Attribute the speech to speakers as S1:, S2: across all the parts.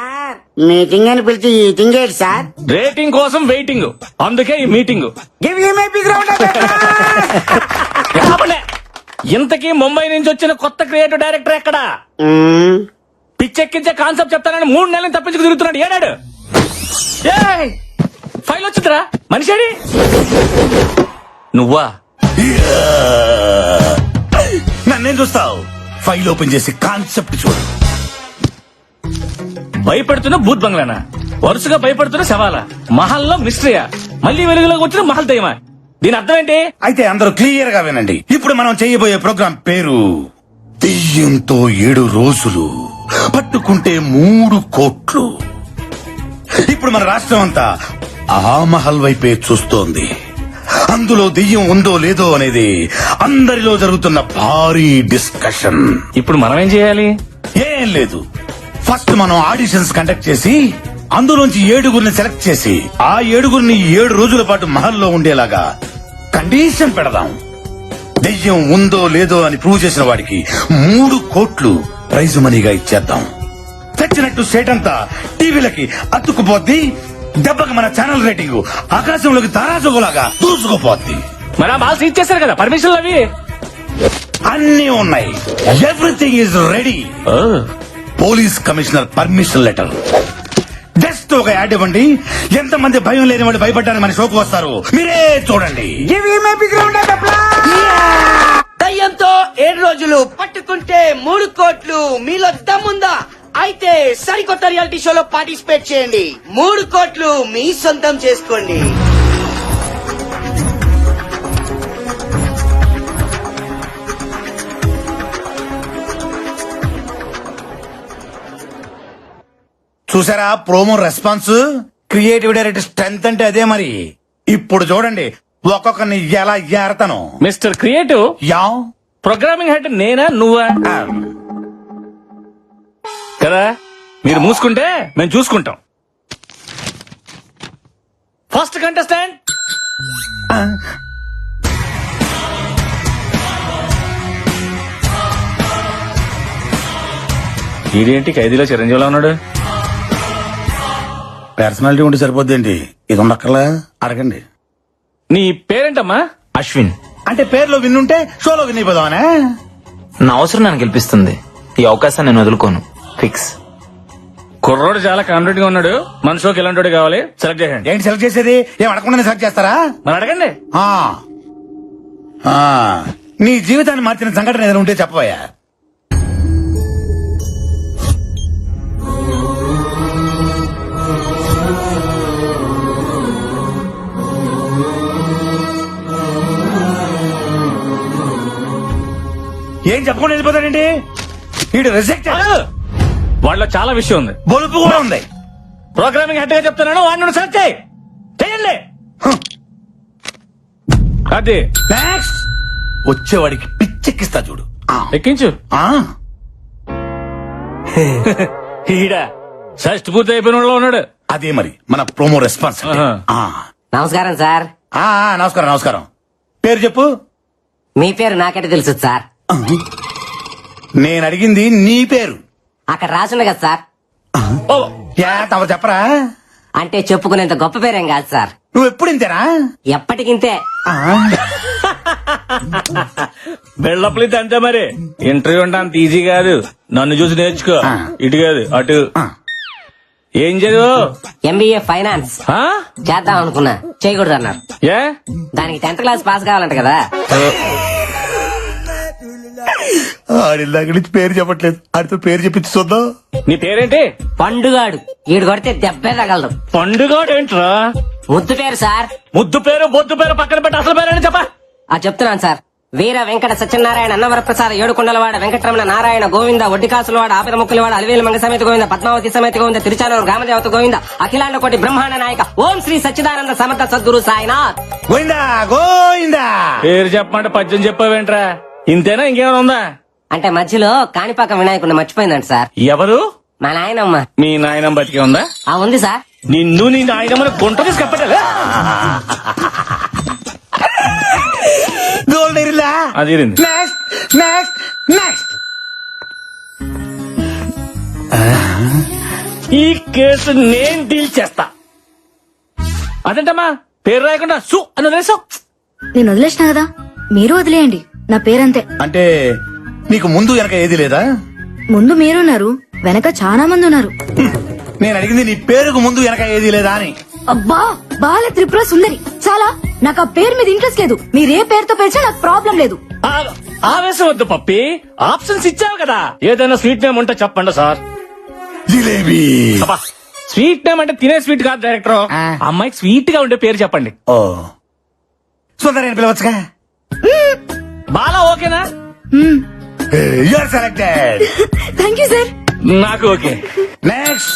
S1: Sir meeting అని పిలిచి eating ఏంటి సార్?
S2: రేటింగ్ కోసం వెయిటింగ్, అందుకే ఈ meeting.
S1: Give you my big round of
S2: ఇంతకీ ముంబై నుంచి వచ్చిన కొత్త క్రియేటివ్ డైరెక్టర్ ఎక్కడా? పిచ్చెక్కించే కాన్సెప్ట్ చెప్తానని 3 నెలలు తప్పించుకు తిరుగుతున్నాడు. ఏడాడు ఫైల్ వచ్చిందిరా, మనిషి నువ్వా?
S3: నన్నేం చూస్తావు? ఫైల్ ఓపెన్ చేసి కాన్సెప్ట్ చూడు.
S2: భయపెడుతున్న భూత్ బంగ్లానా? వరుసగా భయపడుతున్న శవాలా? మహల్లో మిస్టరీయా? మళ్ళీ వెలుగులోకి వచ్చిన మహల్ దయ్యమా? దీని అర్థం ఏంటి?
S3: అయితే అందరూ క్లియర్ గా వినండి. ఇప్పుడు మనం చేయబోయే ప్రోగ్రాం పేరు దెయ్యంతో 7 రోజులు, పట్టుకుంటే 3 కోట్లు. ఇప్పుడు మన రాష్ట్రం అంతా ఆ మహల్ వైపే చూస్తోంది. అందులో దెయ్యం ఉందో లేదో అనేది అందరిలో జరుగుతున్న భారీ డిస్కషన్.
S2: ఇప్పుడు మనం ఏం చేయాలి?
S3: ఏం లేదు, ఫస్ట్ మనం ఆడిషన్స్ కండక్ట్ చేసి అందులోంచి 7గురిని సెలెక్ట్ చేసి ఆ 7గురిని 7 రోజుల పాటు మహల్లో ఉండేలాగా కండిషన్ పెడదాం. దెయ్యం ఉందో లేదో అని ప్రూవ్ చేసిన వాడికి 3 కోట్లు ప్రైజ్ మనీగా ఇచ్చేద్దాం. తెచ్చినట్టు స్టేట్ అంతా టీవీలకి అతుక్కుపోద్ది. దెబ్బకి మన ఛానల్ రేటింగ్ ఆకాశంలోకి తారాజుగులాగా దూసుకుపోద్ది.
S2: మరి ఆ బాల్స్ ఇచ్చేసారు కదా, పర్మిషన్లు అవి
S3: అన్నీ ఉన్నాయి. Everything is ready. Police commissioner permission letter. Just ఒక యాడ్ ఇవ్వండి. ఎంతమంది భయం లేని వాళ్ళు భయపడ్డానికి మన షోకు వస్తారు, మీరే చూడండి.
S1: Give you my big round of
S4: దయ్యంతో 7 రోజులు, పట్టుకుంటే 3 కోట్లు. మీలో దమ్ముందా? అయితే సరికొత్త రియాలిటీ షోలో పార్టిసిపేట్ చేయండి. 3 కోట్లు మీ సొంతం చేసుకోండి.
S3: చూసారా promo response? Creative director strength అంటే అదే మరి. ఇప్పుడు చూడండి ఒక్కొక్కరిని ఎలా ఏరతాను.
S2: Mister creative,
S3: yeah
S2: programming head నేనా నువ్వా? కదా, మీరు మూసుకుంటే మేము చూసుకుంటాం. ఫస్ట్ కంటెస్టెంట్ ఇదేంటి ఖైదీలో చిరంజీవిలో ఉన్నాడు?
S3: పర్సనాలిటీ ఉంటే సరిపోద్దేంటి, ఇది ఉండక్కర్లా? అడగండి.
S2: నీ పేరేంటమ్మా?
S5: అశ్విన్.
S3: అంటే పేర్లో విన్నుంటే షోలో విన్ అయిపోదామనే.
S5: నా అవసరం నన్ను గెలిపిస్తుంది. ఈ అవకాశాన్ని నేను వదులుకోను. ఫిక్స్.
S2: కుర్రోడు చాలా కాన్ఫిడెంట్ గా ఉన్నాడు. మన షోకి ఎలాంటి కావాలి సెలెక్ట్ చేయండి.
S3: ఏంటి సెలెక్ట్ చేసేది? ఏం అడగకుండా సెలెక్ట్ చేస్తారా?
S2: మరి అడగండి.
S3: ఆ ఆ, నీ జీవితాన్ని మార్చిన సంఘటన ఏదైనా ఉంటే చెప్పబోయా. ఏం చెప్పకుండా వెళ్ళిపోతాడండి వీడు? రిజెక్ట్.
S2: వాళ్ళలో చాలా విషయం ఉంది,
S3: బొలుపు కూడా ఉంది.
S2: ప్రోగ్రామింగ్ హెడ్ గా చెప్తున్నాను, వాడిని సెలెక్ట్ చేయండి. అది
S3: నెక్స్ట్ వచ్చేవాడికి పిచ్చెక్కిస్తా చూడు.
S2: ఎక్కించు. ఈడ షష్ట్ పూర్తి అయిపోయిన వాళ్ళలో ఉన్నాడు.
S3: అదే మరి మన ప్రోమో రెస్పాన్స్.
S1: నమస్కారం సార్.
S3: నమస్కారం నమస్కారం. పేరు చెప్పు.
S1: మీ పేరు నాకంటే తెలుసు సార్.
S3: నేను అడిగింది నీ పేరు.
S1: అక్కడ రాసుంది కదా సార్.
S3: తమరు చెప్పరా?
S1: అంటే చెప్పుకునేంత గొప్ప పేరేం కాదు సార్.
S3: నువ్వు ఎప్పుడు ఇంతేనా?
S1: ఎప్పటికింతే.
S2: బెళ్ళప్పలితే అంతే మరి. ఇంటర్వ్యూ అంటే అంత ఈజీ కాదు. నన్ను చూసి నేర్చుకో. ఇటు కాదు అటు. ఏం చదువు?
S1: ఎంబీఏ ఫైనాన్స్ చేద్దాం అనుకున్నా, చేయకూడదు అన్నారు.
S2: ఏ?
S1: దానికి 10th క్లాస్ పాస్ కావాలంట కదా.
S3: ఆడిల్లాక నుంచి పేరు చెప్పట్లేదు, ఆడితో పేరు చెప్పించి చూద్దాం.
S2: నీ పేరేంటి?
S1: పండుగాడు. ఈడు కొడితే దెబ్బే తగలదు.
S2: పండుగాడు ఏంట్రా?
S1: ముద్దు పేరు సార్.
S2: ముద్దు పేరు బొద్దు పేరు పక్కన పెట్టి అసలు పేరు అని చెప్పా.
S1: చెప్తున్నాను సార్. వీర వెంకట సత్యనారాయణ అన్నవరప్రసాద ఏడుకొండలవాడ వెంకటరమణ నారాయణ గోవింద ఒడ్డికాసులవాడ ఆపద ముక్కులవాడ అలివేలు మంగ సమేత గోవింద పద్మావతి సమేత గోవింద తిరుచానూరు గ్రామదేవత గోవింద అఖిలాండ కోటి బ్రహ్మాండ నాయక ఓం శ్రీ సచ్చిదానంద సమర్థ సద్గురు సాయినాథ్
S3: గోవిందా గోవిందా.
S2: పేరు చెప్పమంటే పద్యం చెప్పావేంట్రా? ఇంతేనా ఇంకేమైనా ఉందా?
S1: అంటే మధ్యలో కాణిపాక వినాయకుడిని మర్చిపోయిందంట సార్.
S2: ఎవరు?
S1: మా నాయనమ్మ.
S2: మీ నాయనమ్మ బతికే ఉందా?
S1: ఉంది సార్.
S2: నిన్ను నీ నాయనమ్మని గుంట తీసి కప్పటలే.
S3: గోల్డ్ ఇరిలా.
S2: అది ఇరింది.
S3: Next next next.
S2: ఈ కేసు నేను డీల్ చేస్తా. అదేంటమ్మా పేరు రాయకుండా సు అని వదిలేసావు.
S6: నేను వదిలేసిన కదా, మీరు వదిలేయండి. నా పేరంతే.
S3: అంటే నీకు ముందు వెనక ఏది లేదా?
S6: ముందు మీరున్నారు, వెనక చాలా మంది ఉన్నారు.
S3: నేను అడిగింది నీ పేరుకు ముందు వెనక ఏది లేదా అని.
S6: అబ్బా, బాల త్రిపుర సుందరి. చాలా, నాకు ఆ పేరు మీద ఇంట్రెస్ట్ లేదు. మీరే పేరుతో పిలిచినా నాకు ప్రాబ్లం లేదు.
S2: ఆవేశం వద్దు పప్పి, ఆప్షన్స్ ఇచ్చావు కదా. ఏదైనా స్వీట్ నేమ్ ఉంటే చెప్పండి సార్.
S3: జిలేబీ.
S2: స్వీట్ నేమ్ అంటే తినే స్వీట్ కాదు డైరెక్టర్. అమ్మాయికి స్వీట్ గా ఉండే పేరు చెప్పండి.
S3: ఓ సుందరి అని పిలవచ్చుగా.
S2: బాలా ఓకేనా?
S3: You are selected.
S6: Thank you sir.
S2: నాకు ఓకే.
S3: నెక్స్ట్.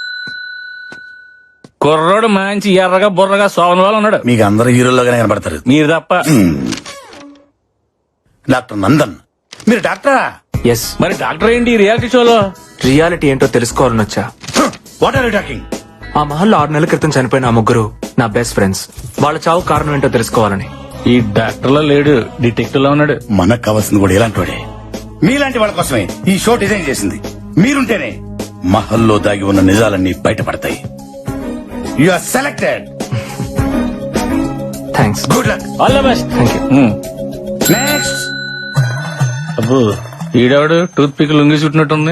S2: కుర్రోడు మంచి ఎర్రగా బుర్రగా సోమన్ వాళ్ళు ఉన్నాడు.
S3: మీకు అందరు హీరోల్లోగానే కనబడతారు.
S2: మీరు తప్ప.
S3: డాక్టర్ నందన్. మీరు డాక్టరా?
S5: ఎస్.
S2: మరి డాక్టర్ ఏంటి ఈ రియాలిటీ షోలో?
S5: రియాలిటీ ఏంటో తెలుసుకోవాలని వచ్చా.
S3: What are you talking?
S5: ఆ మహల్లో 6 నెలల క్రితం చనిపోయిన ఆ ముగ్గురు నా బెస్ట్ ఫ్రెండ్స్. వాళ్ళ చావు కారణం ఏంటో తెలుసుకోవాలని.
S2: ఈ డాక్టర్ లో లేడు, డిటెక్టివ్ లో ఉన్నాడు.
S3: మనకు కావాల్సింది కూడా ఇలాంటి వాడే. మీలాంటి వాళ్ళ కోసమే ఈ షో డిజైన్ చేసింది. మీరుంటేనే మహల్లో దాగి ఉన్న నిజాలన్నీ బయటపడతాయి. You are selected.
S5: Thanks.
S3: Good luck.
S2: All the best.
S5: Thank you.
S3: Next.
S2: అబ్బో ఈడవాడు టూత్ పిక్ లొంగి చుట్టినట్టుంది.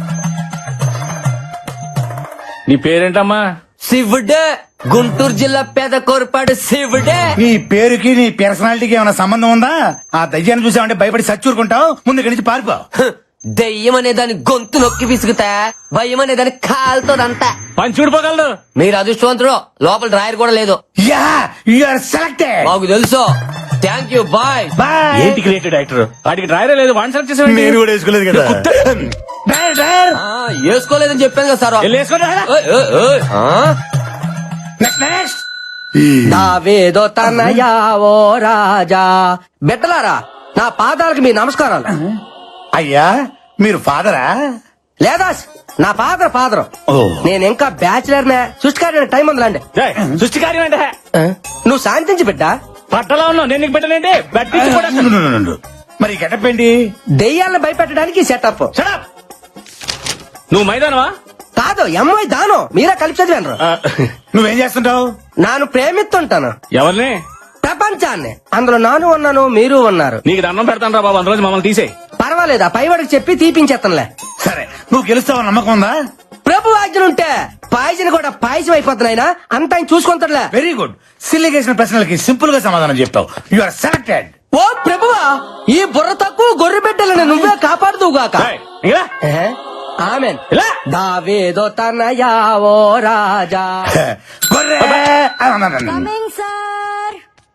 S2: నీ పేరేంటమ్మా?
S1: శివుడే, గుంటూరు జిల్లా పేద కోరపాడు శివుడే.
S3: నీ పేరుకి నీ పర్సనాలిటీకి ఏమైనా సంబంధం ఉందా? ఆ దయ్యాన్ని చూసామంటే భయపడి చచ్చూరుకుంటావు. ముందు ఇక్కడి నుంచి పారిపో.
S1: దెయ్యం అనే దాని గొంతు నొక్కి విసుగుతా, భయం అనే దాని కాలుతోదంతా.
S2: పని చూడిపోగలడు.
S1: మీరు అదృష్టవంతుడు, లోపల డ్రాయర్ కూడా లేదు.
S3: Yeah, you are selected.
S1: మాకు తెలుసు. Thank you, bye.
S3: బాయ్.
S2: ఏంటి క్రియేటివ్ డైరెక్టర్? వాడికి డ్రైవరే లేదు, వన్ సెలెక్ట్ చేసేవాడి.
S3: నేను కూడా వేసుకోలేదు కదా. Driver, driver.
S1: వేసుకోలేదని చెప్పాను కదా సార్. ఓయ్, ఓయ్, ఓయ్.
S3: Next, next.
S1: దావేదో తనయా ఓ రాజా. బిడ్డలారా, నా పాదాలకు మీ నమస్కారాలు.
S3: అయ్యా, మీరు ఫాదరా?
S1: లేదా నా ఫాదర్.
S3: ఓ.
S1: నేను ఇంకా బ్యాచిలర్ నే. సృష్టికారి టైం ఉందిలాండి.
S2: సృష్టి కార్యం అంటే
S1: నువ్వు శాంతించి బిడ్డ.
S2: పట్టలో ఉన్నావు, నేను నీకు పెట్టలేంటి. బట్టించి కూడా
S3: ఉండు. మరి గెటప్ ఏంటి?
S1: దెయ్యాలను భయపెట్టడానికి సెటప్.
S2: Shut up. నువ్వు మైదానవా?
S1: కాదు, ఎంఐ దానం. మీరే కలిపి చదివాను.
S3: నువ్వేం చేస్తుంటావు?
S1: నాను ప్రేమిస్తుంటాను
S2: ఎవరిని?
S1: ప్రపంచాన్ని. అందులో నాను ఉన్నాను, మీరు ఉన్నారు.
S2: నీకు దండం పెడతాను రా బాబు, అందులో మమ్మల్ని తీసేయి.
S1: పర్వాలేదా, పైవాడికి చెప్పి తీపించేస్తానులే.
S3: సరే, నువ్వు గెలుస్తావు నమ్మకం ఉందా?
S1: ప్రభు ఆజ్ఞలుంటే పాయసం కూడా పాయసం అయిపోతున్నాయినా అంత ఆయన చూసుకుంటాడులే.
S3: Very good. సిల్లిగేసిన ప్రశ్నలకి సింపుల్ గా సమాధానం చెప్తావు. You are selected.
S1: ఓ ప్రభువా, ఈ బుర్ర తక్కువ గొర్రె బిడ్డలను నువ్వే కాపాడుదువుగాక.
S2: ఏయ్, ఇలా.
S1: ఆమెన్.
S2: ఇలా.
S1: దావేదో తనయా ఓ రాజా.
S3: గొర్రె.
S6: Coming sir.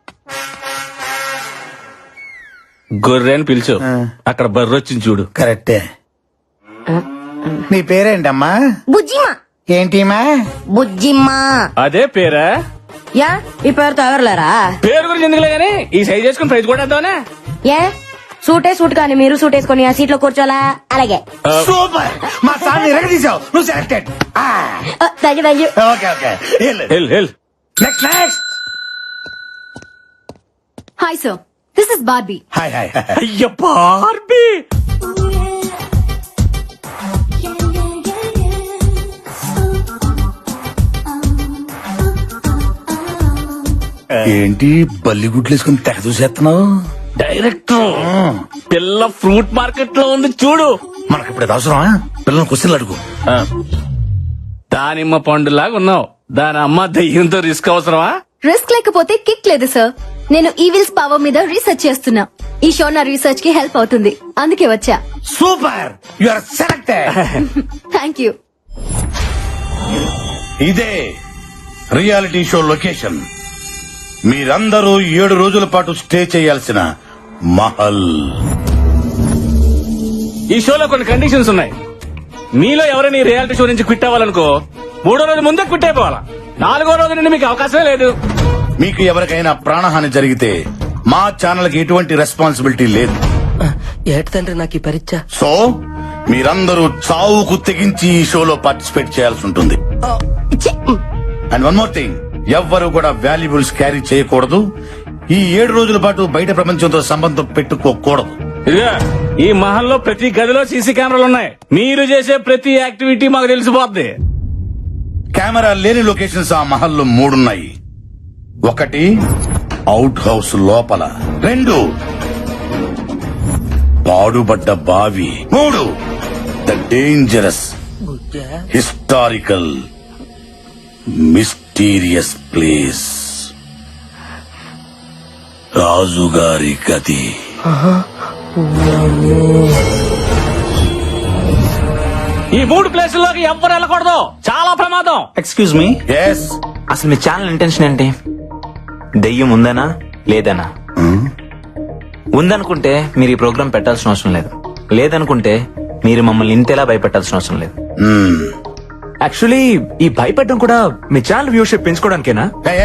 S2: గొర్రె అని పిలిచు. అక్కడ బర్రె వచ్చింది చూడు.
S3: కరెక్టే. నీ పేరేంటమ్మా?
S6: బుజ్జిమా.
S3: ఏంటిమా?
S6: బుజ్జిమ్మా.
S2: అదే పేరా?
S6: యా, ఈ పేరుతో ఎవరులేరా?
S2: పేరు గురించి ఎందుకులే గానీ ఈ సైజ్ చేసుకుని ప్రైజ్ కూడా వేద్దామనే.
S6: ఏ సూట్ కానీ మీరు సూట్ వేసుకొని ఆ సీట్ లో కూర్చోలా? అలాగే.
S3: సూపర్. మా సార్ ఎరగదీసావు. నువ్వు selected.
S6: Thank you.
S3: Okay okay.
S2: Hell
S3: next, next.
S6: Hi sir, this is Barbie.
S3: Hi hi.
S2: అయ్య బార్బీ.
S3: ఏంటి బల్లి గుడ్లు వేసుకుని తెగ చూసేస్తున్నావు?
S2: డైరెక్టర్, పిల్ల ఫ్రూట్ మార్కెట్ లో ఉంది చూడు.
S3: మనకి ఇప్పుడు అవసరమా? పిల్లలు క్వశ్చన్లు అడుగు.
S2: దానిమ్మ పండులాగా ఉన్నావు. దాని అమ్మ దయ్యంతో రిస్క్ అవసరమా?
S6: రిస్క్ లేకపోతే కిక్ లేదు సార్. నేను ఈవిల్స్ పవర్ మీద రీసెర్చ్ చేస్తున్నా. ఈ షో నా రీసెర్చ్ కి హెల్ప్ అవుతుంది, అందుకే వచ్చా.
S3: Super. You are selected.
S6: Thank you.
S3: ఇదే రియాలిటీ షో లొకేషన్. మీరందరూ 7 రోజుల పాటు స్టే చేయాల్సిన మహల్.
S2: ఈ షోలో కొన్ని కండిషన్స్ ఉన్నాయి. మీలో ఎవరైనా ఈ రియాలిటీ షో నుంచి క్విట్ అవ్వాలనుకో 3వ రోజు ముందే క్విట్ అయిపోవాలా. 4వ రోజు నుండి మీకు అవకాశమే లేదు.
S3: మీకు ఎవరికైనా ప్రాణహాని జరిగితే మా ఛానల్ కి ఎటువంటి రెస్పాన్సిబిలిటీ లేదు.
S1: ఏటి తండ్రి నాకు ఈ పరీక్ష.
S3: సో మీరందరూ చావుకు తెగించి ఈ షోలో పార్టిసిపేట్ చేయాల్సి ఉంటుంది. అండ్ వన్ మోర్ థింగ్, ఎవ్వరు కూడా వాల్యుబుల్స్ క్యారీ చేయకూడదు. ఈ 7 రోజుల పాటు బయట ప్రపంచంతో సంబంధం పెట్టుకోకూడదు.
S2: ఇదిగా ఈ మహల్లో ప్రతి గదిలో సీసీ కెమెరాలు ఉన్నాయి. మీరు చేసే ప్రతి యాక్టివిటీ మాకు తెలిసిపోద్ది.
S3: కెమెరా లేని లొకేషన్స్ ఆ మహల్లో 3 ఉన్నాయి. 1 అవుట్ హౌస్ లోపల, 2 పాడుబడ్డ బావి, 3 the dangerous historical mysterious place రాజుగారి గది.
S2: ఈ 3 ప్లేసుల్లోకి ఎవ్వరు వెళ్ళకూడదు, చాలా ప్రమాదం.
S7: ఎక్స్క్యూజ్ మీ,
S3: ఎస్
S7: అసలు మీ ఛానల్ ఇంటెన్షన్ ఏంటి? దెయ్యం ఉందనా లేదనా? ఉందనుకుంటే మీరు ఈ ప్రోగ్రామ్ పెట్టాల్సిన అవసరం లేదు, లేదనుకుంటే మీరు మమ్మల్ని ఇంతేలా భయపెట్టాల్సిన అవసరం లేదు.
S5: యాక్చువల్లీ ఈ భయపెట్టడం కూడా మీ ఛానల్ వ్యూషిప్ పెంచుకోవడానికేనా?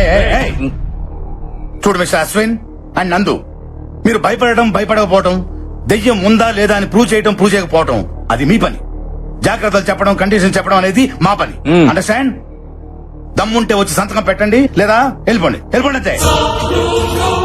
S3: చూడు మిస్టర్ అశ్విన్ అండ్ నందు, మీరు భయపడకపోవటం, దెయ్యం ఉందా లేదా అని ప్రూవ్ చేయకపోవటం అది మీ పని. జాగ్రత్తలు చెప్పడం, కండిషన్ చెప్పడం అనేది మా పని. అండర్స్టాండ్? దమ్ముంటే వచ్చి సంతకం పెట్టండి, లేదా వెళ్ళిపోండి అంతే.